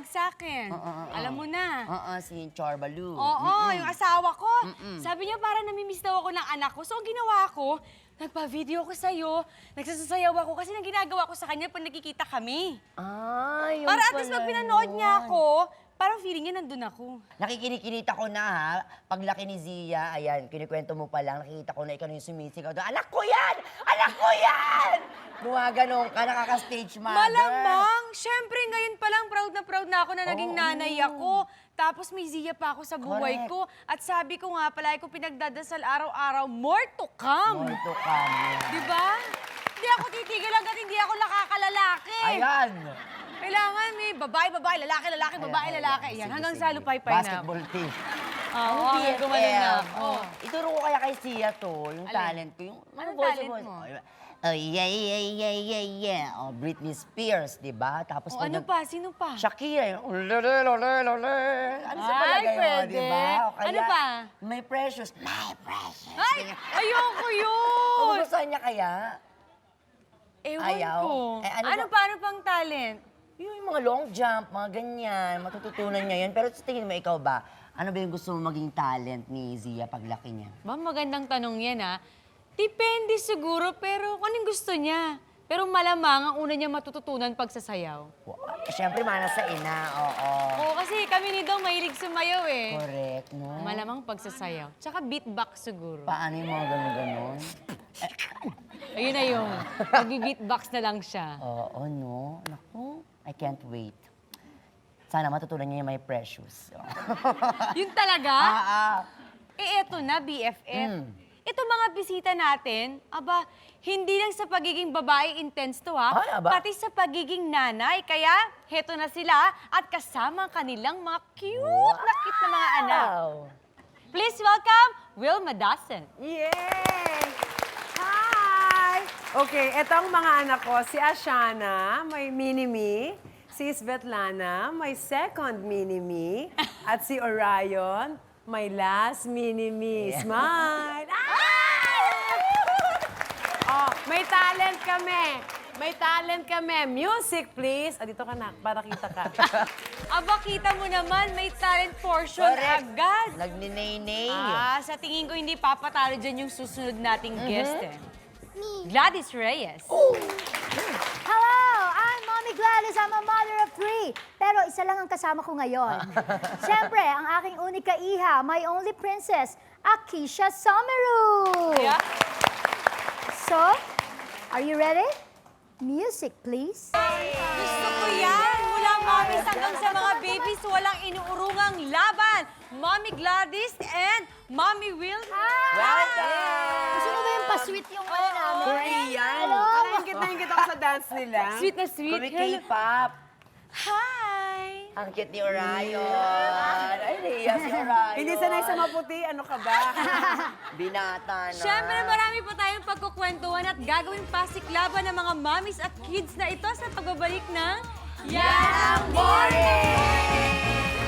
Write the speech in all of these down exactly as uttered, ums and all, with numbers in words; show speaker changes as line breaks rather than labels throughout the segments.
tumawag sa akin.
Oo, oo, oo.
Alam mo na.
Oo, si Chorbalu.
Oo, yung asawa ko.
Mm-mm.
Sabi niya para namimiss daw ako ng anak ko. So, ang ginawa ko, nagpa-video ko sa'yo. Nagsasayaw ako kasi nang ginagawa ko sa kanya pag nakikita kami.
Ay, yung
Para at least
pala
pag pinanood
yun.
niya ako, parang feeling niya nandun ako.
Nakikinikinita ko na ha, paglaki ni Zia, ayan, kinikwento mo pa lang, nakikita ko na ikaw na yung sumisigaw doon, anak ko yan! Anak ko yan! Gumaganon ka, nakaka-stage mother.
Malamang! Siyempre, ngayon pa lang proud na proud na ako na naging
Oo.
nanay ako. Tapos may Zia pa ako sa buhay
Correct.
ko. At sabi ko nga, palagi ko pinagdadasal araw-araw, more to come.
More to come.
Di ba? Hindi ako titigil hanggat hindi ako nakakalalaki.
Ayan!
Kailangan may babae, babae, lalaki, lalaki, babae,
Ayan,
lalaki.
ayan.
Yan,
Sige,
hanggang
sige.
sa lupay-pay na.
Basketball team.
Oo, hanggang gumaling na ako.
Oh, ituro ko kaya kay Sia to, yung
Alin?
talent ko. Yung,
Anong
voice
talent
voice.
mo?
Oh, yeah, yeah, yeah, yeah, yeah. Oh, Britney Spears, di ba? Tapos
O,
pag
ano
nag-
pa? Sino pa?
Shakira, yung ulele, lele, lele. Ano sa
Ay,
palagay mo,
pwede.
di ba? O kaya,
Ano pa?
May Precious. My Precious.
Ay! Ayoko yun!
Magugustuhan niya kaya?
Ewan
Ayaw.
ko.
Eh, ano
ano
ba-
pa? Ano pang talent?
Yung mga long jump, mga ganyan, matututunan niya yan. Pero sa tingin mo, ikaw ba, ano ba yung gusto mo maging talent ni Zia paglaki niya?
Ba, magandang tanong yan, ha? Depende siguro, pero kung anong gusto niya. Pero malamang ang una niya matututunan pagsasayaw.
Wow. Siyempre, mana sa ina, oo.
Oo, kasi kami ni Dong mahilig sumayaw eh.
Correct, no?
Malamang pagsasayaw. Tsaka beatbox siguro.
Paano yung mga ganun-ganun?
Ayun na yung, nagbi-beatbox na lang siya.
Oo, no? Naku, I can't wait. Sana matutunan niya yung My Precious.
Yun talaga?
ah, ah.
Eh, eto na, B F F.
Mm.
Ito mga bisita natin, aba, hindi lang sa pagiging babae intense to ha,
Ay, aba.
pati sa pagiging nanay. Kaya, heto na sila at kasama ang kanilang mga cute na cute na mga anak.
Wow.
Please welcome Wilma Dawson.
Yay! Hi! Okay, eto ang mga anak ko. Si Ashana, may mini-me. Si Svetlana, may second mini-me. At si Orion, may last mini-me. Smile! Ah! Oh, may talent kami. May talent kami. Music, please. Ah, dito ka na, para kita ka.
Aba, kita mo naman, may talent portion
Correct.
agad.
Nagninay-nay.
Ah, sa tingin ko hindi papatalo dyan yung susunod nating guest eh. Gladys Reyes.
Hello! I'm Mommy Gladys. I'm a mother of three. Pero isa lang ang kasama ko ngayon. Siyempre, ang aking unika iha, my only princess, Akisha Someru.
Yeah.
So, are you ready? Music, please.
Gusto ko yan! Mula mommies hanggang sa mga babies, walang inuurungang laban. Mommy Gladys and Mommy Will.
Welcome!
Gusto mo ba yung pa-sweet yung ano namin?
Korean.
Hello?
Parang ingit na ingit ako sa dance nila.
Sweet na sweet.
Kumi
Hello.
K-pop.
Hi!
Ang cute ni Orion. Ay, Ria, si Orion.
Hindi sanay sa maputi, ano ka ba?
Binata na.
Siyempre, marami pa tayong pagkukwentuhan at gagawin pasiklaban ng mga mommies at kids na ito sa pagbabalik ng Yan ang Morning!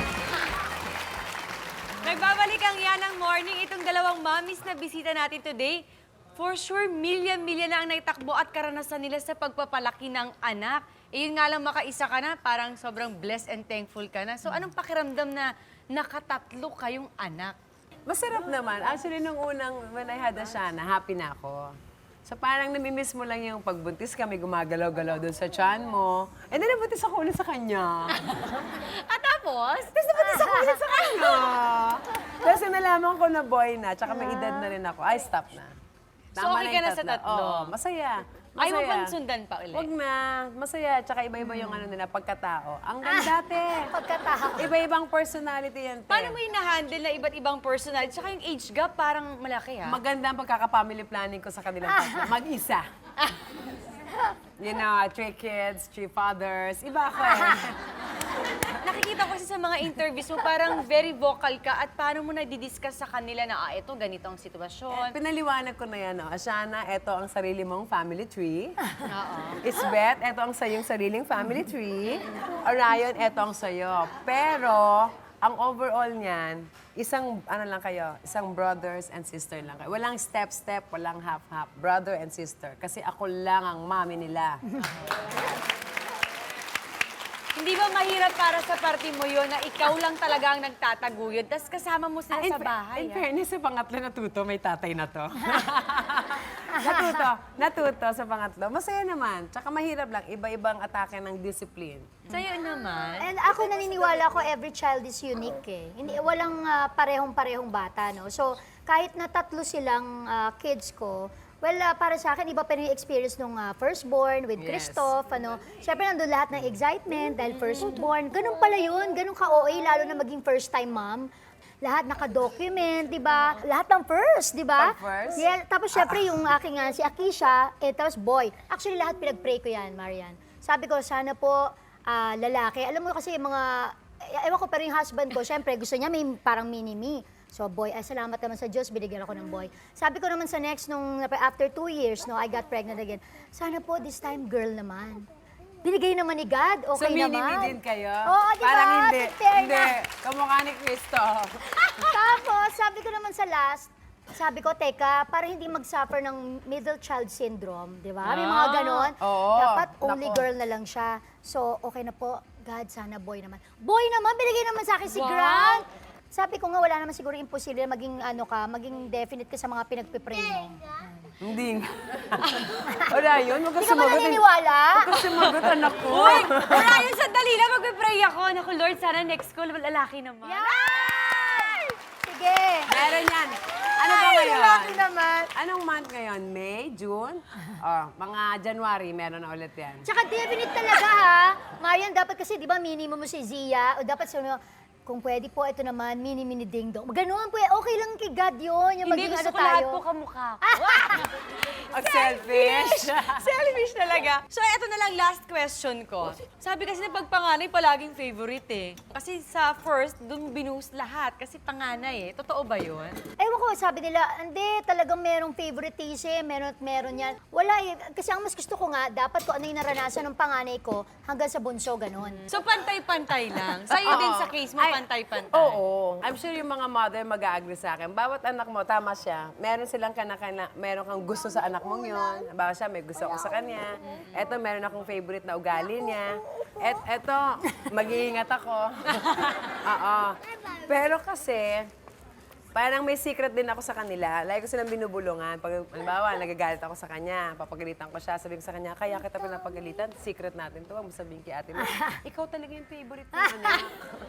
Nagbabalik ang Yan ang Morning. Itong dalawang mommies na bisita natin today, for sure, milya-milya na ang naitakbo at karanasan nila sa pagpapalaki ng anak. Eh, yun nga lang makaisa ka na, parang sobrang blessed and thankful ka na. So, anong pakiramdam na nakatatlo kayong anak?
Masarap naman. Actually, nung unang, when I had Ashana, happy na ako. So parang namimiss mo lang yung pagbuntis kami, gumagalaw-galaw doon sa tiyan mo. And then nabuntis ako ulit sa kanya.
At tapos?
Tapos nabuntis ako ulit sa kanya. Tapos nung nalaman ko na boy na, tsaka may edad na rin ako, ay stop na.
So, okay
na
ka
yung
na sa tatlo?
Oo, masaya.
Ayaw mo
Masaya.
bang sundan pa ulit?
Wag na. Masaya. Tsaka iba-iba yung ano nila, pagkatao. Ang ganda, te.
Pagkatao.
Iba-ibang personality yan, te.
Paano mo hina-handle na iba't ibang personality? Tsaka yung age gap parang malaki ha?
Maganda ang pagkaka-family planning ko sa kanilang tatlo. Mag-isa. You know, three kids, three fathers. Iba ako eh.
Nakikita ko kasi sa mga interviews mo, parang very vocal ka at paano mo na-discuss sa kanila na, ah, ito, ganito ang sitwasyon.
Pinaliwanag ko na yan, no? Ashana, eto ang sarili mong family tree.
Oo.
Isbeth, eto ang sayong sariling family tree. Orion, eto ang sayo. Pero, ang overall niyan, isang, ano lang kayo, isang brothers and sister lang kayo. Walang step-step, walang half-half. Brother and sister. Kasi ako lang ang mami nila.
Hindi ba mahirap para sa party mo yun na ikaw lang talaga ang nagtataguyod, tapos kasama mo sila
in,
sa bahay?
in
ah?
fairness, sa pangatlo natuto, may tatay na to. natuto, natuto sa pangatlo. Masaya naman. Tsaka mahirap lang, iba-ibang atake ng discipline.
Sa'yo naman.
And ako naniniwala ko every child is unique eh. Hindi, walang ah, parehong-parehong bata, no? So, kahit na tatlo silang ah, kids ko, well, ah, para sa akin, iba pa rin yung experience nung ah, firstborn with
Yes.
Christoph, ano. Siyempre, nandun lahat ng excitement dahil firstborn. Ganun pala yun, ganun ka-O A, lalo na maging first-time mom. Lahat naka-document, di ba? Lahat ng first, di ba?
Pag first?
Yeah, tapos syempre yung aking ah, si Akisha, eh, tapos boy. Actually, lahat pinag-pray ko yan, Marian. Sabi ko, sana po ah, lalaki. Alam mo kasi yung mga, eh, ewan ko, pero yung husband ko, syempre gusto niya may parang mini-me. So boy, ay salamat naman sa Diyos, binigyan ako ng boy. Sabi ko naman sa next, nung after two years, no, I got pregnant again. Sana po this time girl naman. Binigay naman ni God, okay
so, mini-me
naman.
din kayo?
Oo, di ba?
Parang hindi.
In fairness.
Hindi. Kamukha ni Cristo.
Tapos, sabi ko naman sa last, sabi ko, teka, para hindi mag-suffer ng middle child syndrome, di ba? May mga
Ah,
ganon.
oo.
Dapat only
Nako.
girl na lang siya. So, okay na po. God, sana boy naman. Boy naman, binigay naman sa akin si
Wow.
Grant. Sabi ko nga, wala naman siguro imposible na maging ano ka, maging definite ka sa mga pinagpipray mo.
Hindi nga. Wala yun. Huwag ka
Hindi ka ba
sumagot.
naniniwala?
Huwag ka sumagot, anak ko.
Uy! Ryan, sandali lang, magpipray ako. Naku, Lord, sana next call, lalaki naman.
Yan! Sige.
Meron yan. Ano ba
Ay,
ngayon?
lalaki naman.
Anong month ngayon? May? June? Oh, mga January, meron na ulit yan.
Tsaka definite talaga ha. Marian, dapat kasi, di ba, minimum mo si Zia, o dapat sa kung pwede po, ito naman, mini-mini ding-dong. Ganoon po, okay lang kay God yun. Yung
Hindi,
maging
gusto
ano
ko lahat
tayo.
po kamukha ko.
Ang selfish.
Selfish talaga. So, eto na lang last question ko. Sabi kasi na pagpanganay, palaging favorite eh. Kasi sa first, dun binus lahat. Kasi panganay eh. Totoo ba yun?
Ewan ko, sabi nila, hindi, talagang merong favoritism, meron at meron yan. Wala eh. Kasi ang mas gusto ko nga, dapat ko ano yung naranasan ng panganay ko hanggang sa bunso, ganon.
So, pantay-pantay lang. Sa'yo din sa case mo,
Ay,
pantay-pantay.
Oo. I'm sure yung mga mother mag-agree sa akin. Bawat anak mo, tama siya. Meron silang kanakana, meron kang gusto sa anak mong yun. Bawa siya, may gusto ako sa kanya. Eto, meron akong favorite na ugali niya. Et, eto, mag-iingat ako. Oo. Pero kasi, parang may secret din ako sa kanila. Lagi ko silang binubulungan. Pag, halimbawa, nagagalit ako sa kanya, papagalitan ko siya, sabihin ko sa kanya, kaya kita pinapagalitan, secret natin to, huwag mo sabihin kay ate mo. Ikaw talaga yung favorite kong anak.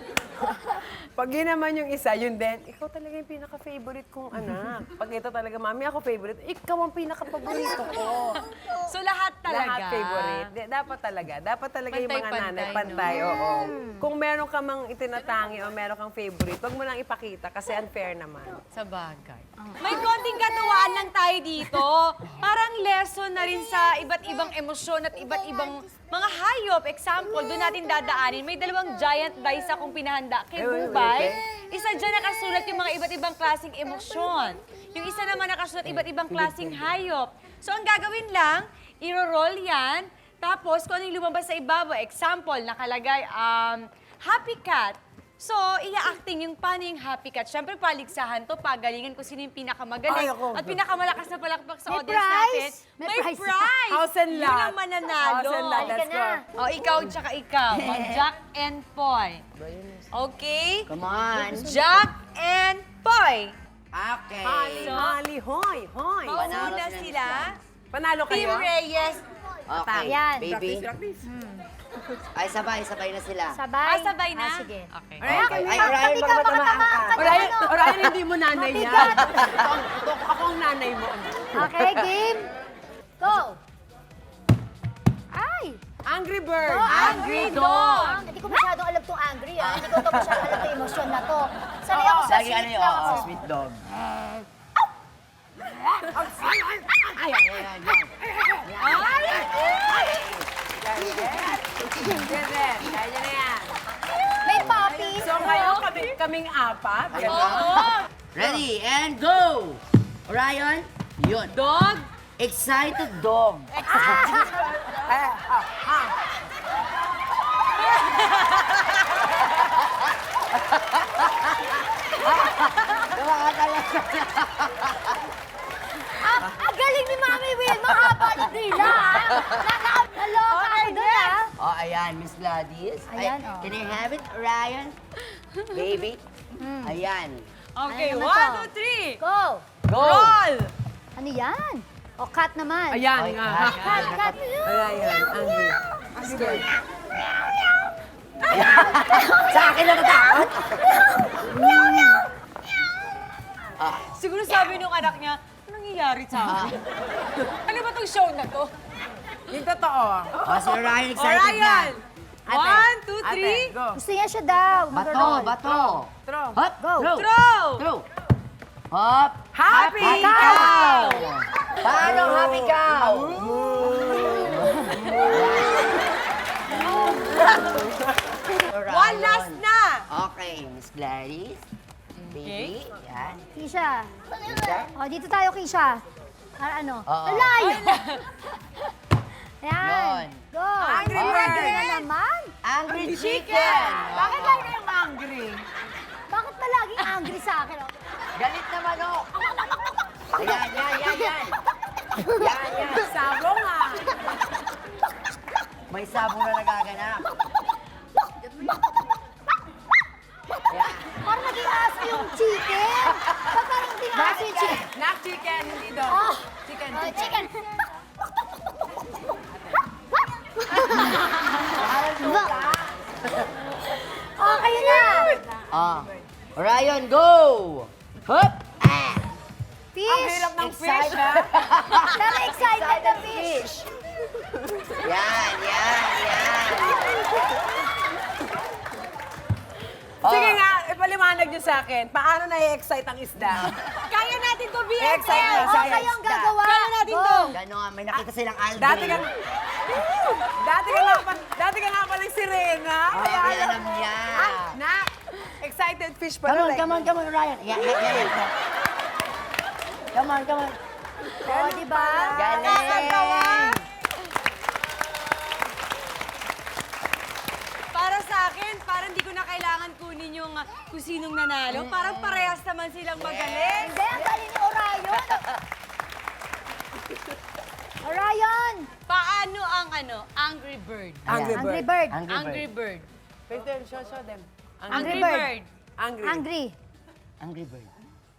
Pag yun naman yung isa, yun din, ikaw talaga yung pinaka-favorite kong anak. Pag ito talaga, mami, ako favorite, ikaw ang pinaka-paborito ko.
So, lahat talaga.
Lahat favorite. Di- dapat talaga. Dapat talaga yung mga
Pantay-pantay,
nanay,
no?
pantay, oo. Kung meron ka mang itinatangi o meron kang favorite, wag mo lang ipakita kasi unfair naman.
Sa bagay. May konting katuwaan lang tayo dito. Parang lesson na rin sa iba't ibang emosyon at iba't ibang mga hayop. Example, doon natin dadaanin. May dalawang giant dice akong pinahanda kay
Ay, wait,
Bubay.
wait,
Isa dyan nakasulat yung mga iba't ibang klaseng emosyon. Yung isa naman nakasulat iba't ibang klaseng hayop. So ang gagawin lang, iro-roll yan. Tapos kung ano yung lumabas sa ibabaw, example, nakalagay, um, happy cat. So, iya-acting yung paano yung happy cat. Siyempre, paligsahan to, pagalingan kung sino yung pinakamagaling.
Ay, ako.
At pinakamalakas na palakpak sa
May
audience
prize?
natin.
May
May
prize.
prize!
House and lot.
Yun ang mananalo.
House and lot,
Halika
let's go.
na.
O, ikaw, tsaka ikaw. Ang Jack and Poy. Okay?
Come on.
Jack and Poy.
Okay.
Hali, hali, hoy, hoy.
Mauna
na
sila.
Panalo
Team
kayo?
Reyes.
Okay,
Yan.
baby.
Practice.
Ay, sabay, sabay na sila.
Sabay.
Ah, sabay na?
Ah, sige.
Okay.
Okay. Ay, Orion,
Tabi ka,
baka
baka
matamaan
tamaan
ka.
ka.
Orion,
Ano?
Orion, hindi mo nanay yan.
Mabigat.
Ito, ito, ako ang nanay mo.
Okay, game. Go. Ay!
Angry Bird.
Oh,
Angry Dog.
Hindi ko masyadong alam tong angry, ah. Hindi ko to masyadong alam tong emosyon na to. Sanay ako sa
Lagi
sweet
ano yun,
lang
oo,
ako.
sweet dog.
Ay, ay, ay, ay. Yan, yan. Kaya na yan.
May puppy.
So ngayon, kami, kaming apat.
Ayan
Ganda.
na. Ready, and go! Orion, yun.
Dog.
Excited dog.
Eh, ah, ah.
Ah, ang galing ni Mami Will. Mahaba ni Dila, ah. Na- na- Naloka ako doon, ah.
Oh, ayan. Ayan, Miss Gladys. Ay,
Ayan, oh.
Can I have it, Ryan? Baby? Ayan.
Okay,
Ano naman
one,
to?
two, three.
Go!
Go!
Roll!
Ano yan? O, cut naman.
Ayan
Ay,
nga.
cut.
Cut, cut.
Ayan, ayan. Angry. Angry.
Sa akin na natakot.
Siguro sabi nung anak niya, anong nangyayari sa akin? ano ba tong show na to?
Yung totoo.
Oh, si Ryan
O,
excited na.
Ryan!
Ate,
One, two,
ate,
three.
go.
Gusto niya siya daw.
Bato,
mag-roll.
bato.
Throw.
Hop,
Go.
throw.
Throw!
Throw. Hop.
Happy
Happy
cow!
cow! Paano happy cow?
One last na!
Okay, Miss Gladys. Baby, yan.
Kisha.
Kisha.
O, dito tayo, Kisha. Para ano?
Oo.
Alayo! Yan.
Yun.
Go.
Angry
Angry
bird.
na naman.
Angry chicken.
Bakit
Oo.
lagi kayong angry? Bakit ba laging angry sa akin? oh?
Galit na manok. Ayan, yan, yan, yan. Yan, yan.
Sabong ah.
May sabong na nagaganap. Yan.
Parang naging aso yung chicken. Ba't parang naging aso yung chicken?
Nak chicken, hindi daw.
Oh.
Chicken,
Oh,
chicken.
chicken. Oh, kayo na.
Ah. Ryan, go! Hop! Ah!
Ang
Fish.
hirap ng fish,
Excited.
ha?
Pero excited na fish.
Yan, yan, yan. Oh.
Sige nga, ipaliwanag niyo sa akin. Paano na-excite ang isda?
Kaya natin to, B F F!
Excite na
Oh,
siya.
kayo ang gagawa.
Kaya natin
Go.
to.
Ganon, may nakita silang Aldrin.
Dati ka, dati ka nga pa, dati ka nga palang sirena.
Oh,
Kaya
kaya
alam.
alam niya.
Ah, na, excited fish pa
Come on,
rin.
come on, come on, Ryan. Yan, yan, yan. yan. Come on, come on.
Oh, di ba?
Galing!
Para sa akin, parang di ko na kailangan kunin yung uh, kung sinong nanalo. Parang parehas naman silang magaling.
Hindi, ang galing ni Orion. Orion.
Paano ang ano, Angry Bird?
Angry bird.
Angry bird.
Angry,
Angry
bird.
Bird.
Wait there, show, show them.
Angry
Angry Bird.
Bird.
Angry.
Angry.
Angry bird.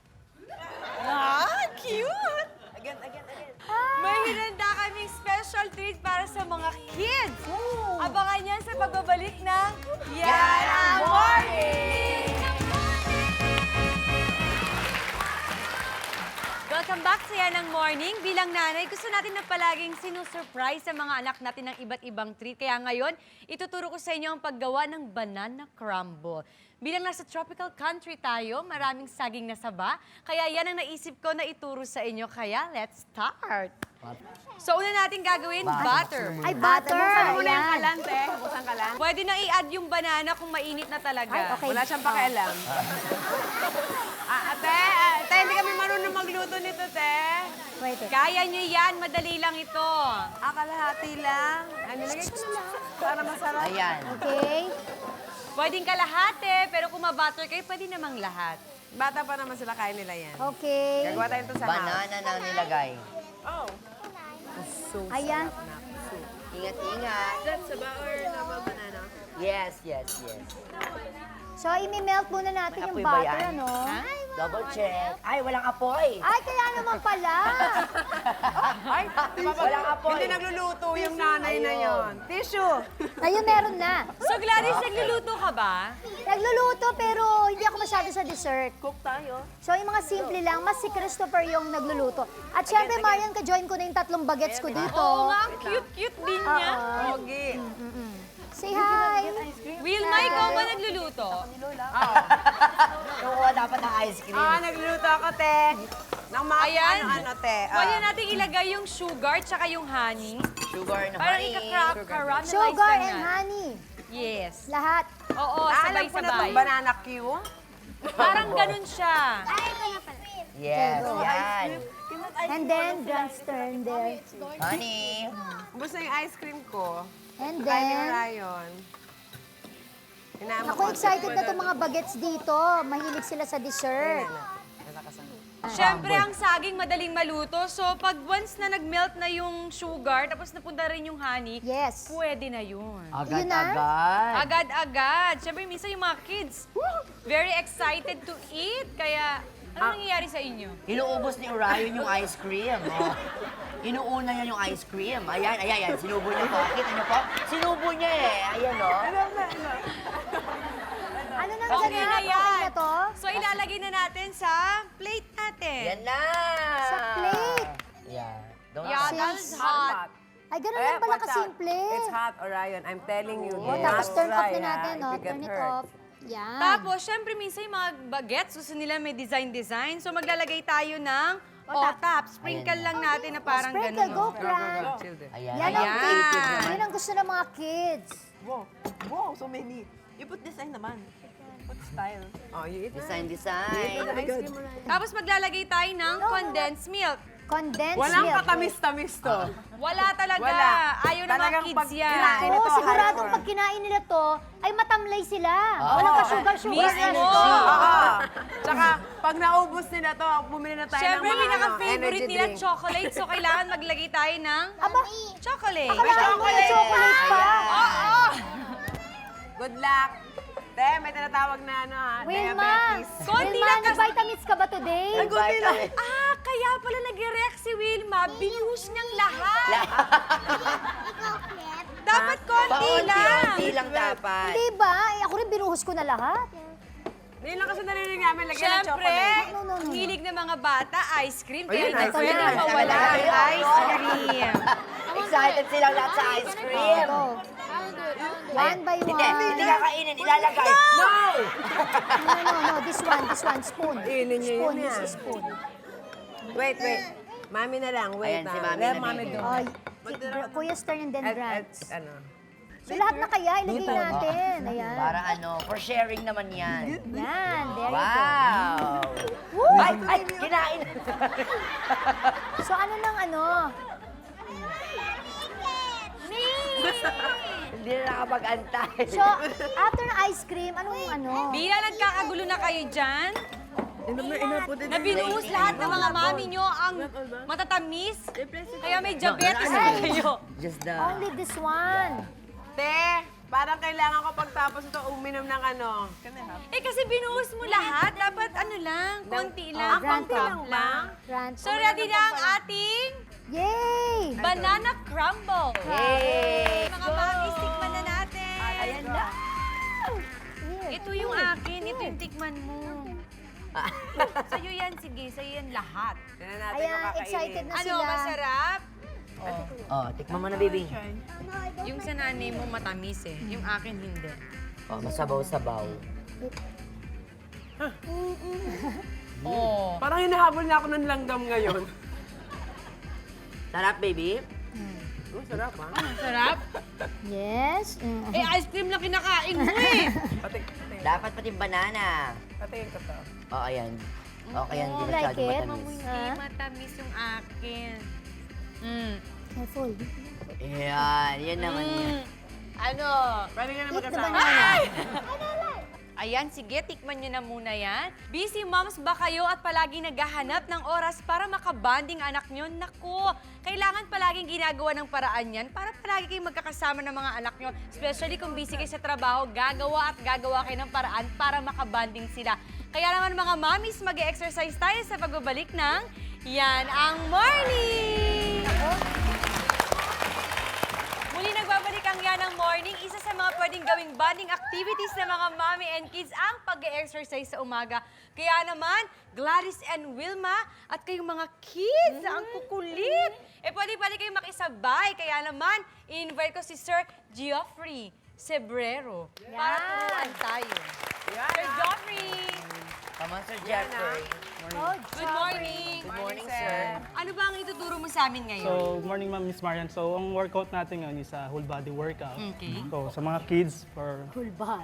Ah, cute!
Again, again, again.
May hinanda kaming special treat para sa mga kids. Abangan yan sa pagbabalik ng Yan ang Morning! Welcome back sa Yan ang Morning. Bilang nanay, gusto natin na palaging sinusurprise sa mga anak natin ng iba't ibang treat. Kaya ngayon, ituturo ko sa inyo ang paggawa ng banana crumble. Bilang nasa tropical country tayo, maraming saging na saba. Kaya yan ang naisip ko na ituro sa inyo. Kaya let's start. So una natin gagawin, butter.
Ay, butter.
Buksan mo na yung
Ayan.
kalan, te. Buksan kalan.
Pwede na i-add yung banana kung mainit na talaga.
Ay, okay.
Wala siyang pakialam. Ah, ate, ate, hindi kami marunong magluto nito, te.
Wait. eh.
Kaya nyo yan, madali lang ito.
Ah, kalahati lang. Ano, lagay ko na lang. Para masarap.
Ayan.
Okay.
Pwedeng kalahati, pero kung ma-butter kayo, pwede namang lahat.
Bata pa naman sila, kaya nila yan.
Okay.
Gagawa tayo ito sa house.
Banana na nilagay.
Oh. So,
Ayan.
Ingat, ingat.
That's about or normal banana.
Yes, yes, yes.
So, imi-melt muna natin
May
yung
apoy ba
butter,
yan?
ano?
Double check. Ay, walang apoy.
Ay, kaya naman pala.
Ay,
Walang apoy.
hindi nagluluto yung nanay na
Ayun.
yon. Tissue.
Ayun, meron na.
So Gladys, nagluluto ka ba?
Nagluluto, pero hindi ako masyado sa dessert.
Cook tayo.
So, yung mga simple lang, mas si Christopher yung nagluluto. At syempre, Marian, ka-join ko na yung tatlong bagets ko dito.
Oo nga, ang cute-cute din niya.
Oo.
Pogi.
Say hi.
Wilma, ikaw ba nagluluto?
Kukuha dapat ng ice cream.
Ah, nagluluto ako, te. Nang mga
Ayan.
ano-ano, te. Ah.
Pwede natin ilagay yung sugar tsaka yung honey.
Sugar na
Parang
honey.
ika-caramelize
Sugar
lang
and
natin.
honey.
Yes.
Lahat.
Oo,
Ah, alam ko na
sabay-sabay.
itong banana Q.
Parang ganun siya.
Yes,
Okay, go.
yan.
And then, just turn there.
Honey.
Gusto yung ice cream ko.
And
Kaya ni
then,
Ryan. Inaama
ako excited na itong mga bagets dito. Mahilig sila sa dessert.
Nalakasan.
Siyempre, ang saging madaling maluto. So, pag once na nag-melt na yung sugar, tapos napunta rin yung honey,
Yes.
pwede na yun.
Yun na?
Agad-agad.
Agad-agad. Siyempre, minsan yung mga kids, very excited to eat. Kaya, ano nangyayari sa inyo?
Inuubos ni Orion yung ice cream. Oh. Inuuna niya yung ice cream. Ayan, ayan, ayan. Sinubo niya po. Kita niyo po? Sinubo niya eh. Ayan, oh.
Ano nang
Okay
ganap?
na
Okay
yan.
na to?
So, ilalagay na natin sa plate natin.
Yan na.
Sa plate.
Yeah. Don't
Yeah,
Since-
that's hot.
Ay, ganun
Eh,
lang pala
watch out.
kasimple.
It's hot, Orion. I'm telling you.
Oh,
do
tapos
not
turn off
try,
na natin,
ha,
no?
if you get
Turn it
hurt.
off. Yan.
Tapos, syempre, minsan yung mga bagets, gusto nila may design-design. So, maglalagay tayo ng O-top. Sprinkle
Ayan.
lang natin na parang
Sprinkle,
ganun.
go,
oh.
Fran.
Children.
Ayan.
Yan ang
Ayan.
favorite. Yan ang gusto ng mga kids.
Wow. Wow, so many. You put design naman. Put style.
Oh, you eat na.
Design, design.
Ice cream, Orion.
Tapos, maglalagay tayo ng condensed milk.
Condensed
Walang
milk.
katamis-tamis to.
Wala talaga.
Wala.
Ayaw ng mga
Talagang
kids
pag
yan.
kinain-
Oo,
ito,
siguradong
hardcore.
pag kinain nila to, ay matamlay sila.
Oo.
Walang ka-sugar-sugar.
Mismo.
Oo. Tsaka, pag naubos nila to, bumili na tayo
Siyempre,
ng mga ano,
pinaka-favorite
energy
nila,
drink.
chocolate. So, kailangan maglagay tayo ng
Aba,
chocolate.
akalain mo yung chocolate pa.
Oo.
Good luck. Te, may tinatawag na ano ha,
Wilma,
diabetes.
Konti
Wilma,
lang kasi-
nag-vitamins ka ba today?
Vitamin.
Ah, kaya pala nag-react si Wilma. Binuhos niyang lahat. Dapat konti lang.
Paunti-unti lang dapat.
Hindi ba? Eh, ako rin binuhos ko na lahat.
Hindi lang kasi narinig namin, lagyan ng
Siyempre,
chocolate.
No, no, no.
hilig ng mga bata, ice cream. Kaya
Ayun,
hindi
ice
pwede
cream.
mawala ang ice cream.
Excited silang lahat sa ice cream.
Go. One by
Hindi,
one.
hindi kakainin. Ilalagay. No!
No, no, no. This one, this one. Spoon.
Kainin niyo
Spoon,
yun
this
yan.
is spoon.
Wait, wait. Mami na lang, wait
Ayan,
na.
si Mami
Let
na
Mami
bibigyan.
do.
Ay, Kuya's turn and then
At, at,
Grant's.
ano.
So lahat na kaya, ilagay natin. Ayan.
Para ano, for sharing naman yan.
Yan, there you go.
Wow!
Woo!
Ay, ay, kinain.
So ano nang ano?
Hindi na nakapag-antay.
So, after ng ice cream, anong ano?
Bila nagkakagulo na kayo dyan,
Inaput it.
na binuhos lahat ng mga mami nyo ang matatamis, kaya may diabetes na kayo.
Just the...
Only this one.
Te, parang kailangan ko pagtapos ito uminom ng ano.
Eh kasi binuhos mo lahat, dapat ano lang, konti lang,
Grant
pang
lang
cup lang.
Grant.
So ready na ang ating
Yay!
banana crumble.
Yay!
Mga mami, tikman na natin.
Ayan na.
Here.
Ito yung akin, ito yung tikman mo. Sa'yo yan, sige, sa'yo yan lahat.
Tignan natin
Ayan,
kung kakainin.
excited na
Ano,
sila.
masarap?
Oh, tikman mo na, baby.
Yung sa nanay mo matamis eh, yung akin hindi.
Oh, masabaw-sabaw.
Oh.
Parang hinahabol na ako ng langgam ngayon.
Sarap, baby.
Oh, sarap ha.
Sarap?
Yes. Mm.
Eh, ice cream lang kinakain mo eh.
Pati, pati,
Dapat pati banana.
patiin ko to.
Oh, ayan. Okay, yan. Hindi
Oh, like
masyado
it?
matamis.
Hindi matamis yung akin. Mm.
Careful.
Yan, yan naman yan.
Mm. Ano?
Pwede ka na
Eat the
magkasama.
banana.
Ayan, sige, tikman nyo na muna yan. Busy moms ba kayo at palagi naghahanap ng oras para makabanding anak nyo? Naku, kailangan palaging ginagawa ng paraan yan para palagi kayong magkakasama ng mga anak nyo. Especially kung busy kayo sa trabaho, gagawa at gagawa kayo ng paraan para makabanding sila. Kaya naman mga mommies, mag-exercise tayo sa pagbabalik ng Yan ang Morning! Muli nagbabalik ang Yan ang Morning. Isa sa mga pwedeng gawing bonding activities ng mga mommy and kids ang pag-exercise sa umaga. Kaya naman, Gladys and Wilma at kayong mga kids, ang kukulit. Eh pwede-pwede kayong makisabay. Kaya naman, i-invite ko si Sir Geoffrey Sebrero para turuan tayo. Sir Geoffrey!
Come on, Sir Jeffrey.
Oh,
Good morning!
Good morning, sir.
Ano ba ang ituturo mo sa amin ngayon?
So, morning ma'am, Miss Marian. So, ang workout natin ngayon is a whole body workout.
Okay.
So, sa mga kids, for
Full body.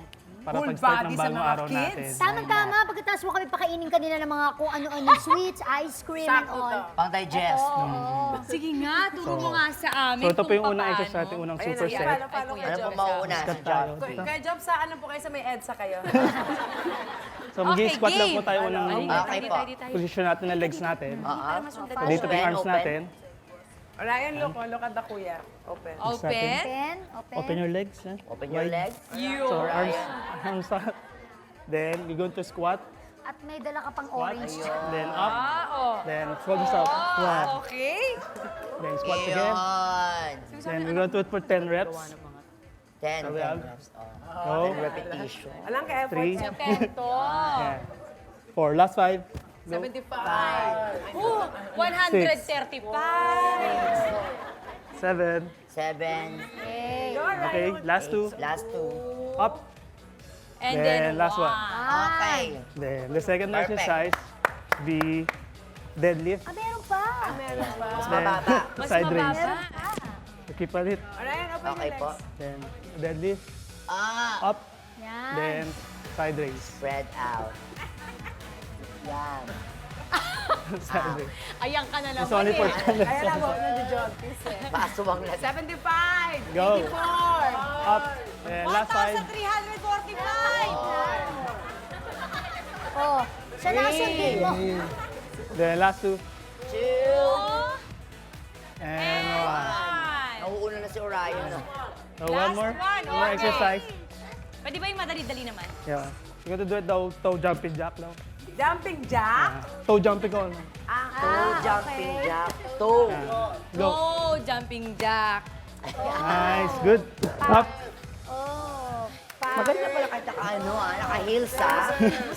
para
Full
pag-start
body
ng
sa
bagong
mga
araw
kids.
natin.
Tamang-tama, pagkatapos mo kami pakainin kanila ng mga kung ano-ano sweets, ice cream, and
Sakto
all.
to.
Pang-digest.
Oo.
Sige nga, turo mo nga sa amin
So ito po
kung
yung unang
paano.
exercise natin, unang
Ayun,
super
ayun,
set.
paano, paano
Ay,
kayo,
Ano po
Job?
mauuna?
Start
Si
tayo.
Job?
Kaya kaya Job, sa ano po kayo sa may EDSA kayo?
So mag-squat lang po
game.
tayo unang
Okay po.
position natin ng legs natin.
Oo.
So dito po yung arms
Open,
natin.
Ryan, look, oh, look at the kuya. Open.
Open.
Open, open.
Open your legs. eh.
Open your
Wide.
legs.
So arms, arms up. Then we go to squat.
At may dala ka pang
Squat.
orange.
Then up.
Ah, oh.
Then shoulders up. Squat.
Okay.
Then squat again.
Yun.
Then we go to it for ten reps.
Ten,
So we
ten
have-
reps. Oh.
Go.
Repetition.
Alam ka, effort
Three.
siya.
Tento.
Yeah. Four. Last five. Go.
seventy-five.
Ooh, one hundred thirty-five.
Seven.
Seven.
Okay.
Okay. Last two.
Last two.
Up.
And
Then,
then,
last one.
Okay.
Then the second
Perfect.
exercise, the deadlift.
Ah, meron pa.
Meron pa.
Mas
Then
mababa.
Mas
side
mababa.
raise.
Ah,
Keep on it.
Ryan, open
Okay
your
po.
legs.
Then deadlift.
Ah.
Up.
yan.
Then side raise.
Spread out. Yan.
Side raise.
Ayan ka na naman
It's only for
eh.
ten
Ayan
reps.
na, huwag na di-jog. Please, eh.
Paasuwang na.
seventy-five.
Go.
eighty-four.
Up. Then last five.
one thousand three hundred forty-five.
Oh, siya na sundin mo.
Then last two.
Two.
And one.
One.
Nauuna na si Orion. no?
So one more.
one,
One more
okay.
exercise.
Pwede ba yung madali-dali naman?
Yeah. We're gonna do it the toe jumping jack now.
Jumping jack.
Uh, toe jumping on.
Two jumping jack. Two.
Go.
Go, jumping jack.
Nice. Good. Up.
Oh,
Maganda pala kahit naka ano ah, naka-heels ah.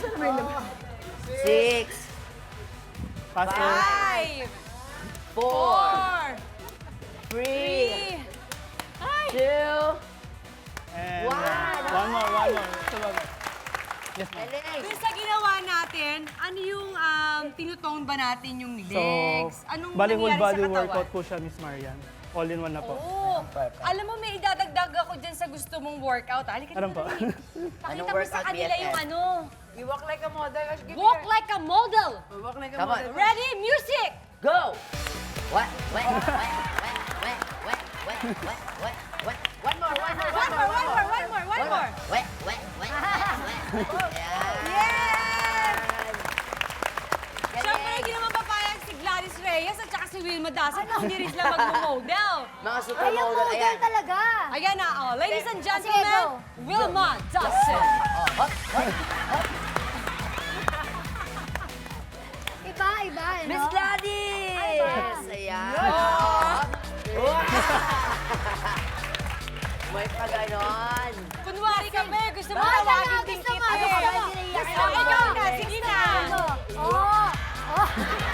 Six.
Faster.
Five,
Four.
four,
Three.
three, ay,
Two.
And
One.
uh, one more. One more. Sabag. Yes, ma'am.
Galing.
dun sa ginawa natin, ano yung um, tinutone ba natin yung
So,
legs? Anong
bali whole
nangyari
body
sa katawan?
workout po siya, Miss Marian. All in one na po.
Oo.
Perfect.
Alam mo, may idadagdag ako dyan sa gusto mong workout. Halika
Anong po?
dito.
Anong
Pakita mo sa
workout,
kanila
B F F?
yung ano.
You walk like a model. Give me
Walk
your-
like a model.
Walk like a
Come on.
model.
Ready? Music!
Go! What? What? What? What? What? What? What? What? What? What? One more, one more,
One more, one more, one more, one more.
What? What? What? What? Yan.
Yes!
Galing.
Siyempre, hindi naman papayag si Gladys Reyes at saka si Wilma Dasset kung hindi rin sila mag-model.
Mga
ay, yung
supermodel,
model
ayan.
talaga.
Ayan na, oh. Ladies and
Sige,
gentlemen,
go.
Wilma Dasset.
Oh, hop, hop.
Iba, iba, ano?
Miss Gladys! Ayan. May pa ganon.
Kunwari kami, gusto mo
Ay,
tawagin
tama,
din
gusto
kita
mo,
eh.
gusto mo.
Gusto mo, ikaw na, sige na.
Oh, oh.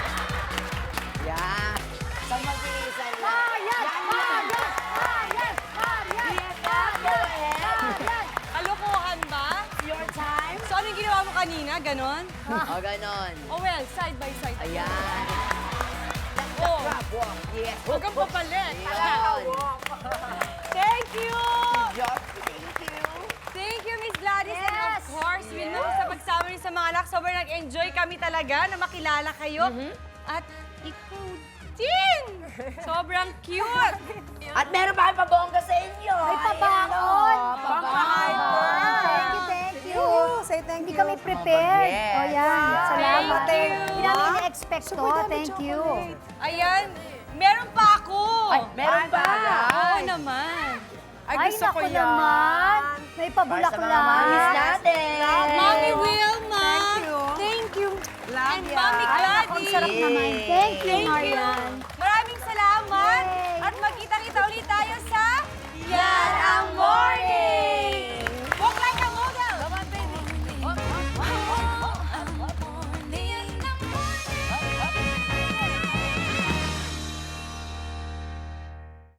Yan. Sa mabilisan lang.
Marian! Marian! Marian! Marian! Marian! Marian!
Kalokohan ba?
Your time.
So, anong ginawa mo kanina? Ganon?
O, ganon.
Oh well, side by side.
Ayan.
Oh,
Crab walk. Yes.
huwag kang papalit.
Ayan.
Thank you!
Just thank you.
Thank you, Miss Gladys. And
Yes.
of course, Wilma, sa pagsama niyo sa mga anak, sobrang nag-enjoy kami talaga na makilala kayo. At ikaw din! Sobrang cute!
At meron pa kami pabongga sa inyo.
May
Ayan,
pabakon.
oh,
Pampa-hyper.
Thank you, thank you.
Say thank
Hindi
you.
kami prepared.
Yes.
O yan, salamat.
Thank you.
Hindi namin na-expect to. Thank you.
Ayan, meron pa ako!
Ay, meron pa.
Oo naman.
Ay,
Ay,
gusto ko
naku
yan.
naman. May
Para sa mga
pabulak-bulak.
mamis natin.
Mommy Wilma!
Thank you.
Thank you.
Love
And
ya.
Mommy
Ay, naku, ang
Gladys!
sarap naman. Thank you,
Thank you.
Marian.